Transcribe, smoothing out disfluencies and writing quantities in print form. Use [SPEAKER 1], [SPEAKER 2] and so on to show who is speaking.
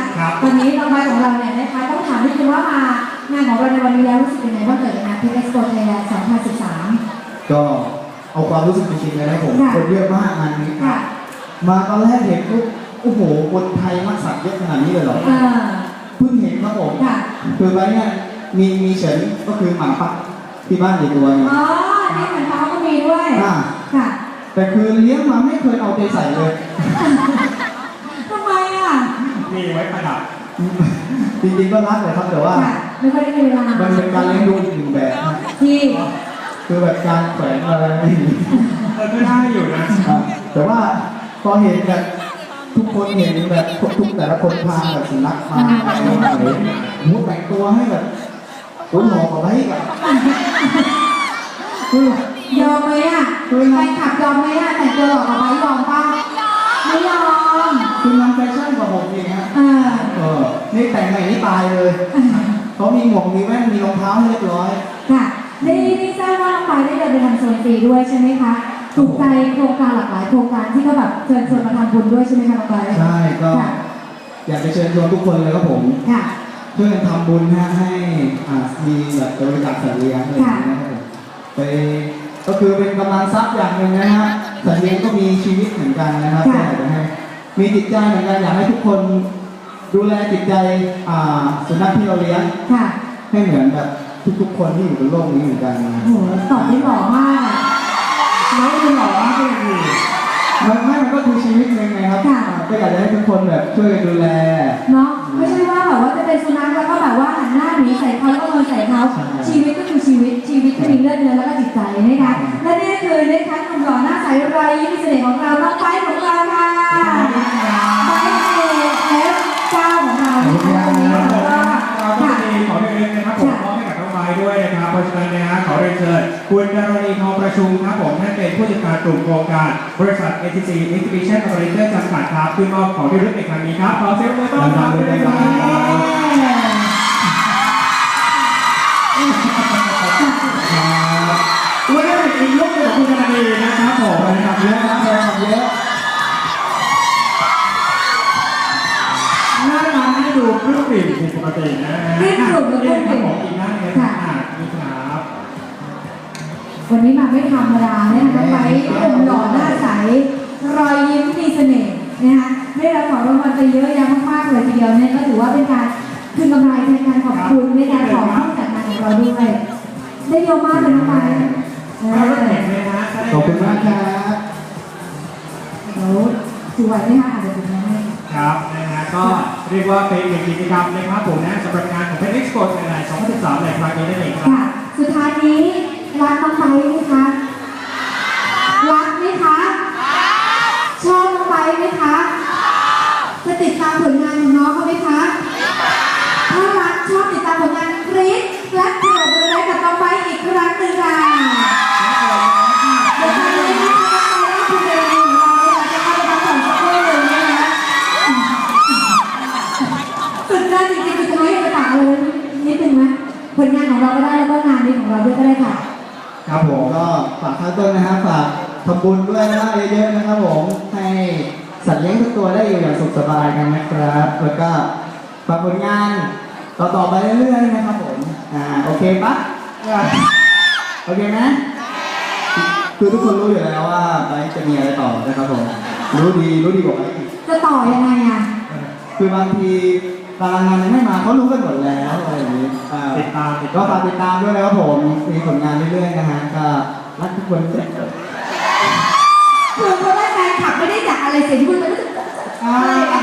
[SPEAKER 1] ตอนนี้น้องใบของเราเนี่ยนะคะต้องถามนิดนึงว่ามางานของเราในวันนี้แล้วรู้สึกยังไงบ้างเกิดงานเพชรเอ็กซ์โปไทยแลนด์2013
[SPEAKER 2] ก็เอาความรู้สึกจริงๆเลยนะผมคนเยอะมากงานนี้มาตอนแรกเห็นปุ๊บโอ้โหคนไทยมากสักเยอะขนาดนี้เลยเหรอเพิ่งเห็นครับผมคือไว้เนี่ยมีเฉินก็คือหมาปักที่บ้านอยู่ตัวนึง
[SPEAKER 1] อ๋อนี่เหมือนเขาก็มีด้วยค่ะ
[SPEAKER 2] แต่คือเลี้ยงมาไม่เคยเอาใจใส่เลย
[SPEAKER 1] ทำไมอ่ะ
[SPEAKER 3] มีไว้ประดับ
[SPEAKER 2] จริงๆก็รักเลยครับแต่ว่า
[SPEAKER 1] ไม่ค่อยได้เวลา
[SPEAKER 2] มันเป็นการเลี้ยงดูอีกหนึ่งแบบ
[SPEAKER 1] ที่
[SPEAKER 2] คือแบบการแขวนอะไร
[SPEAKER 3] ก็ได้อยู่นะ
[SPEAKER 2] แต่ว่าพอเห็นแบบทุกคนเห็นแบบทุกแต่ละคนพาแบบสุนัขมามุดแต่งตัวให้แบบหัวหมอกอะไรกัน
[SPEAKER 1] ยอมไหมอ่ะแฟนคลับยอมไหมอ่ะแต่งตัวหล่อกับไบยอมป่ะไม่ยอม
[SPEAKER 2] คือมันแฟชั่นกว่าผมเองฮะนี่แต่งใหม่นี่ตายเลยเขามีหมวกมีแว่นมีรองเท้าให้เรียบร้อย
[SPEAKER 1] ค่ะได้ทราบว่าน้องไปได้เดินไปทำโซนฟรีด้วยใช่ไหมคะถูกใจโครงการหลากหลายโครงการที่ก็แบบเชิญชวนมาทำบุญด้วยใช่ไหมคะน้องไป
[SPEAKER 2] ใช่ก็อยากจะเชิญชวนทุกคนเลยครับผมช่วยกันทำบุญให้มีแบบบริจาคสัตว์เลี้ยงอะไรอย่างเงี้ยนะครับไปก็คือเป็นกำลังทรัพย์อย่างหนึ่งนะฮะสัตว์เลี้ยงก็มีชีวิตเหมือนกันนะครับก็อยากจะให้มีจิตใจเหมือนกันอยากให้ทุกคนดูแลจิตใจสุนัขที่เราเลี้ยงให้เหมือนแบบทุกๆคนที่อยู่บนโลกนี้เหมือนกัน
[SPEAKER 1] โอ้โหตอบได้หล่อมากไม่ได้หล่อมากเลย
[SPEAKER 2] มันก็คือชีวิตหนึ่งนะครับก็อยากจะให้ทุกคนแบบช่วยกันดูแล
[SPEAKER 1] เนาะไม่ใช่ว่าแบบว่าจะเป็นสุนัขแล้วก็แบบว่าหันหน้าหนีใส่เขาแล้วก็นอนใส่เขาชีวิตก็คือชีวิตก็มีเลือดเนื้อแล้วก็จิตใจนะคะและนี่คือนะคะหนุ่มหล่อหน้าใสไรยิ้มมีเสน่ห์ของเราน้องไปของเราค่ะไปF9ของเรานะคะวันนี้เราก็
[SPEAKER 3] มีขอเรียนนะครับผมมอบให้กับน้องไม้ด้วยนะครับเพราะฉะนั้นนะฮะขอเรียนเชิญคุณดารณีทองประชุมครับผมท่านเป็นผู้จัดการกลุ่มโครงการบริษัท ATC Exhibition Operator จำกัดครับที่มอบของที่ระลึกในครั้งนี้ครับขอเสียงปรบมือต้อนรับด้วยครับวันนี้เป็นอีกลุคหนึ่งของคุณดารณีนะครับผม
[SPEAKER 2] นะครับเยอะนะเยอะ
[SPEAKER 3] หน้าตาให้ดูปลื้มปิ่มผิดปกตินะ
[SPEAKER 1] ปลื้มปิ่มปลื้มปิ่ม
[SPEAKER 3] อีกหน้านึงนะครับนี่ครับ
[SPEAKER 1] วันนี้มาไม่ธรรมดาเนี่ยนะคะไปหล่อหน้าใสรอยยิ้มมีเสน่ห์นะคะได้รับของรางวัลไปเยอะแยะมากๆเลยทีเดียวเนี่ยก็ถือว่าเป็นการคืนกำไรในการขอบคุณในการขอผู้จัดงานของเราด้วยได้เยอะมากเลยน้องไป
[SPEAKER 2] ขอบคุณมากครับ
[SPEAKER 1] แล้วสวยไหมคะอาจจะเป็นยังไง
[SPEAKER 3] ครับนะฮะก็เรียกว่าเป็นหนึ่งกิจกรรมนะครับผมนะสำหรับงานของเพชรเอ็กซ์โปไทยแลนด์2013ในครั้งนี้นั่นเองครับ
[SPEAKER 1] สุดท้ายนี้รักน้องไปไหมคะรักไหมคะชอบน้องไปไหมคะจะติดตามผลงานของน้องเขาไหมคะถ้ารักชอบติดตามผลงานกรี๊ดและเกิดอะไรกับน้องไปอีกครั้งหนึ่งค่ะเดี๋ยวตอนนี้นะคะน้องไปคุณเรนนี่ของเราจะเข้าไปรับของสักครู่หนึ่งนะคะสุดยอดจริงๆคือจะไม่ให้ไปฝากอะไรนิดนึงไหมผลงานของเราก็ได้แล้วก็งานนี้ของเราด้วยก็ได้ค่ะ
[SPEAKER 2] ครับผมก็ฝากข้างต้นนะครับฝากทำบุญด้วยนะเยอะๆนะครับผมให้สัตว์เลี้ยงทุกตัวได้อยู่อย่างสุขสบายกันนะครับแล้วก็ฝากผลงานต่อไปเรื่อยๆนะครับผมโอเคปะโอเคไหมคือทุกคนรู้อยู่แล้วว่าไปจะมีอะไรต่อนะครับผมรู้ดีกว่าไป
[SPEAKER 1] จะต่อยังไงอ่ะ
[SPEAKER 2] คือบางทีตารางงานยังไม่มาเขารู้กันหมดแล้วอะไรอย่างนี้ก็ฝากติดตามด้วยนะครับผมมีผลงานเรื่อยๆนะฮะก็รักทุกคน
[SPEAKER 1] คือเพราะว่าแฟนคลับไม่ได้อยากอะไรเสียงที่คุณจะรู้สึกอะไร